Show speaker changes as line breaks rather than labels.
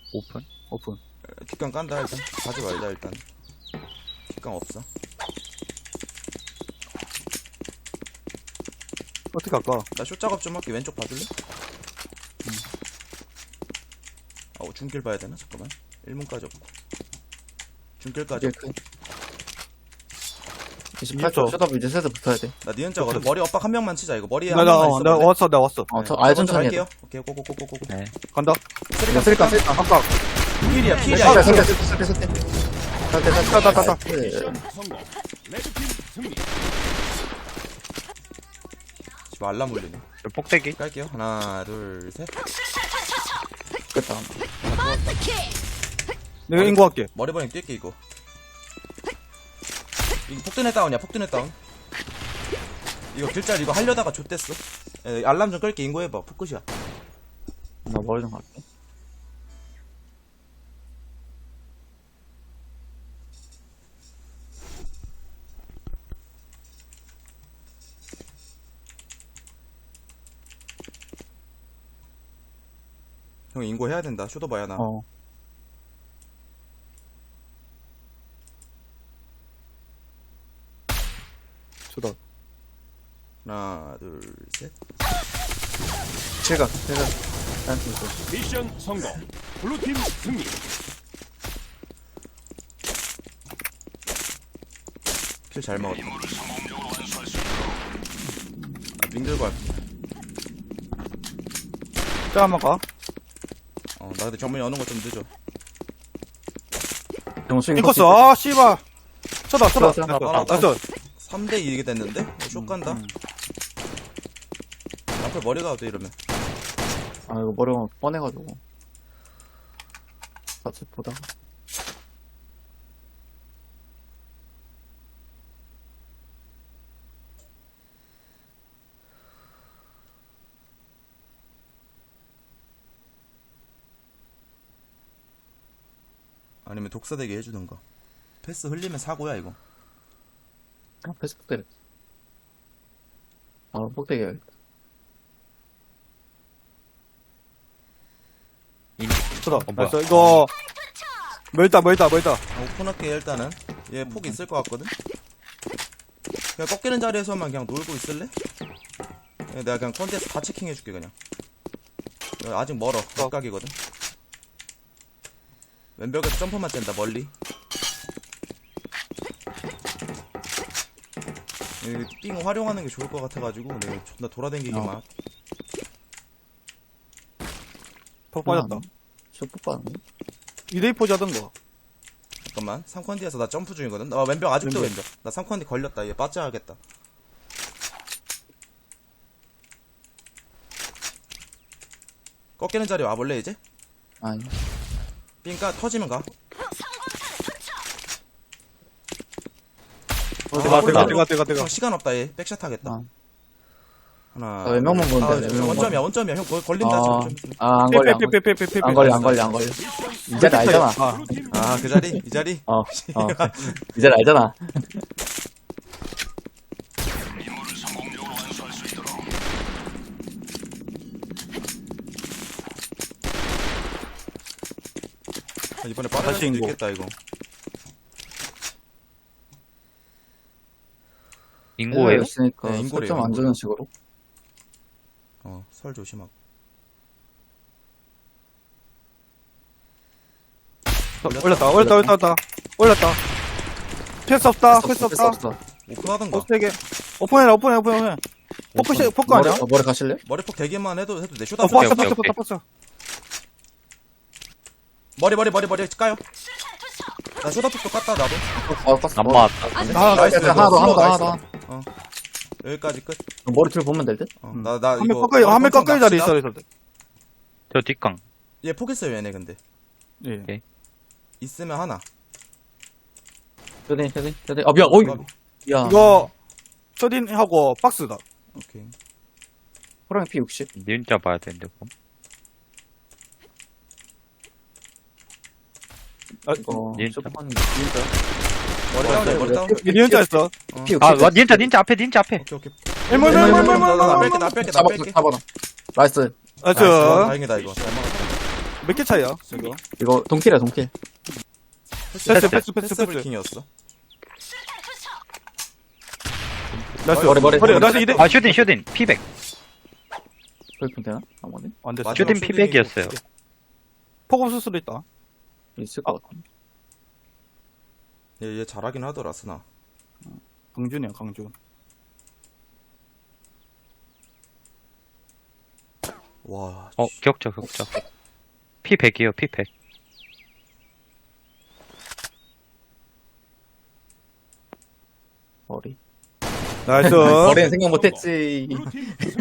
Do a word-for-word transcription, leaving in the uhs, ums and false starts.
오픈? 오픈.
뒷강 깐다 일단. 가지 말자 일단. 뒷강 없어.
어떻게 할까?
나 쇼 작업 좀 할게. 왼쪽 봐줄래? 음. 아, 중길 봐야 되나? 잠깐만. 일 문까지 없고. 중길까지 없고.
이십팔 초 셔답 이제 세트 붙어야 돼.
나 니은자거든. 머리 엇박 한 명만 치자. 이거 머리에
나,
한
나,
명만
어,
있어.
나 왔어, 나 왔어.
어, 저
네,
아예
저 먼저
천천히 해야 돼.
갈게요. 오케이, 고고고고고고.
네. 간다.
쓰리깡, 쓰리깡, 쓰리깡.
아까.
필이야,
네,
필이야.
설대,
이거.
설대, 설대, 설대. 설대, 설대.
따, 따, 따, 따.
나이스.
지금 알람 울리네.
폭대기.
깔게요. 하나, 둘, 셋.
됐다.
내가 인구할게.
머리 버닝 뛸게 이거. 이거 폭드네 다운이야. 폭드네 다운. 이거 길짤 이거 하려다가 좆됐어. 에, 알람 좀 끌게. 인고해봐. 푸끝이야.
나 머리 좀 갈게.
형 인고 해야 된다. 쇼도 봐야 나.
어.
저다.
하나, 둘, 셋.
칠각, 칠각. 짠,
미션 성공. 블루팀 승리.
킬 잘 먹었다. 아, 밍들고 할게.
자, 한번 가.
어, 나 근데 정문이 어는 거 좀 늦어.
정수
인코스, 아, 씨발. 쳐다, 쳐다.
쳐다, 쳐다.
나이스. 나이스.
삼 대 이게 됐는데? 어, 쇼 간다.
음.
앞에 머리 가도 돼, 이러면.
아, 이거 머리가 뻔해가지고. 같이 보다가.
아니면 독사대기 해주던가. 패스 흘리면 사고야, 이거.
아, 패스북 때려. 아, 폭대기 해야겠다.
쳐다.
어, 뭐야.
나이스. 이거. 멀다, 멀다, 멀다.
어, 오픈할게, 일단은. 얘 폭 있을 것 같거든? 그냥 꺾이는 자리에서만 그냥 놀고 있을래? 예, 내가 그냥 컨테스트 다 체킹해줄게, 그냥. 야, 아직 멀어. 각각이거든. 왼벽에서 점퍼만 뗀다, 멀리. 이 삥 활용하는 게 좋을 것 같아가지고, 내가 존나 돌아다니기만.
어.
폭 빠졌다.
쇼폭 빠졌네.
이 대 이 포즈 하던가.
잠깐만. 삼 컨디에서 나 점프 중이거든? 어, 왼벽 아직도
왼벽.
왼벽. 나 삼 컨디 걸렸다. 얘 빠져야겠다. 꺾이는 자리 와볼래, 이제?
아니.
삥까 터지면 가.
어,
아,
대가,
몰라.
대가, 대가, 대가, 대가.
형 시간 없다, 얘. 백샷 하겠다.
아.
하나.
나 왼쪽만 보는데,
아,
왼쪽만
원점이야, 원점이야. 형, 거- 걸린다,
아,
지금.
아, 안 걸려. 안 걸려.
빼빼빼빼빼빼.
안 걸려, 안 걸려, 안 걸려. 이 자리 알잖아.
아,
블루팀
아, 그 자리? 이 자리?
어, 어. 이 자리 알잖아.
아, 이번에 빠질
다시
수도
인고.
있겠다, 이거.
인고예요?
있으니까
네, 인고래요,
설정 안 주는 식으로.
어, 설 조심하고.
올렸다, 올렸다, 올렸다, 올렸다. 올렸다. 패스 없다, 패스
패스
없다.
없어.
오픈하던가.
포스 세 개. 오픈해라, 오픈해, 오픈해. 포크, 시- 포크
머리,
아니야?
어, 머리 가실래?
머리폭 대기만 해도, 해도 돼. 쇼다
어,
폭.
포스,
오케이,
포스,
오케이.
포스, 포스.
머리, 머리, 머리, 머리. 까요? 나 쇼다폭도 깠다, 나도.
어, 깠어.
안
머리.
맞았다.
아,
나이스,
나이스,
하나 더, 하나 더, 하나
나이스.
더.
어. 여기까지 끝.
머리 줄 보면 될 듯?
어, 나, 나,
한 명
이거.
꺾여, 한명
엄청
꺾여 자리
납치다.
있어, 있어.
저 뒷강.
얘 포기했어요, 얘네, 근데.
예.
있으면 하나.
쇼딘, 쇼딘, 쇼딘. 아, 미안, 어이. 야.
이거, 쇼딘하고 박스다.
오케이.
호랑이 피 육십.
니은자 봐야 되는데, 그럼.
아,
이거,
닌자.
쇼폭하는 게 진짜.
머리 다운이야, 머리 다운.
니은자였어.
피 육십.
아, 와, 닌자, 닌자 앞에, 닌자 앞에.
오케이, 오케이.
일몰,
일몰,
일몰,
일몰,
일몰,
나, 나, 나
일몰,
뺄게,
일몰.
나 뺄게, 나
잡아,
뺄게.
잡아. 나이스.
나이스.
나이스, 다행이다, 이거. 잘 먹었다.
몇 개 차이야 이거?
이거 동킬이야, 동킬.
패스 패스 패스
패스
패스.
블킹이었어.
나이스.
머리, 머리.
머리 나이스 이대.
아, 슈딘, 슈딘. 피백.
그렇게 되나? 아무튼
안 됐어.
슈딘
마지막
피백이었어요.
폭 없을 수도 있다.
있을 것 같아.
얘, 얘 잘하긴 하더라, 스나.
강준이야 강준.
와,
어, 격자, 격자. 피백이요, 피백.
머리.
나이스.
머리는 생각 못했지.
블루팀 승리.